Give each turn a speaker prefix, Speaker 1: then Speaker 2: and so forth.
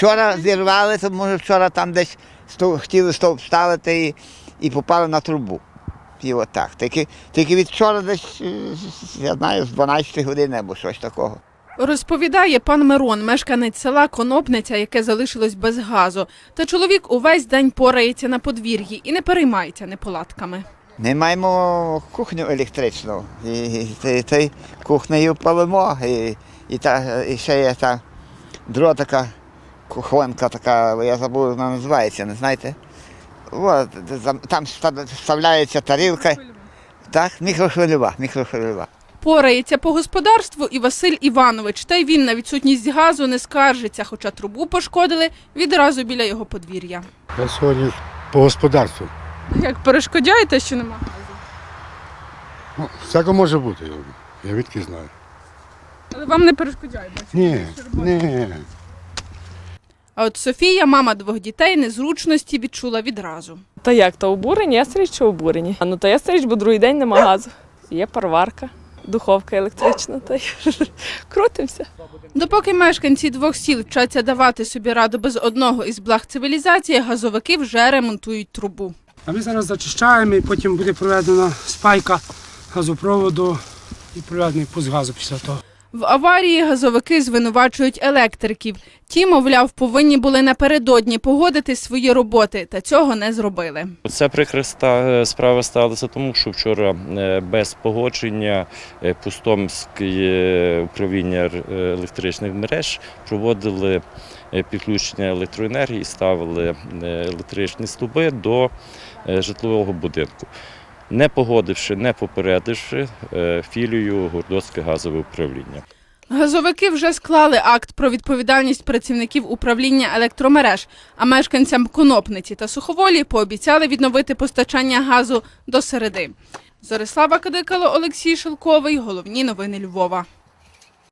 Speaker 1: Вчора зірвали, то може вчора там десь хотіли стовп ставити і попали на трубу. І отак. Тільки від вчора десь, я знаю, з 12 години або щось такого.
Speaker 2: Розповідає пан Мирон, мешканець села Конопниця, яке залишилось без газу. Та чоловік увесь день порається на подвір'ї і не переймається неполадками.
Speaker 1: Ми маємо кухню електричну, і кухнею палимо, і ще є та друга така кухонка, така, я забув, вона називається, не знаєте? От, там вставляється тарілка, так, мікрохвильова.
Speaker 2: Порається по господарству і Василь Іванович. Та й він на відсутність газу не скаржиться, хоча трубу пошкодили відразу біля його подвір'я.
Speaker 3: Я сьогодні по господарству.
Speaker 2: Як перешкоджаєте, що нема газу?
Speaker 3: Ну, всяко може бути, я відки знаю.
Speaker 2: Але вам не перешкоджає?
Speaker 3: Ні.
Speaker 2: А от Софія, мама 2 дітей, незручності відчула відразу.
Speaker 4: Та як, то обурені? Я стріч, що обурені. Ну, то я стріч, бо другий день нема газу. Є парварка, духовка електрична, та й крутимося.
Speaker 2: Допоки мешканці 2 сіл вчаться давати собі раду без одного із благ цивілізації, газовики вже ремонтують трубу.
Speaker 5: А ми зараз зачищаємо і потім буде проведена спайка газопроводу і проведений пуск газу після того.
Speaker 2: В аварії газовики звинувачують електриків. Ті, мовляв, повинні були напередодні погодити свої роботи, та цього не зробили.
Speaker 6: Ця прикра справа сталася тому, що вчора без погодження Пустомське управління електричних мереж проводили підключення електроенергії, ставили електричні стовби до житлового будинку, не погодивши, не попередивши філію Городоцьке газове управління.
Speaker 2: Газовики вже склали акт про відповідальність працівників управління електромереж, а мешканцям Конопниці та Суховолі пообіцяли відновити постачання газу до середи. Зорислава Кадикало, Олексій Шелковий. Головні новини Львова.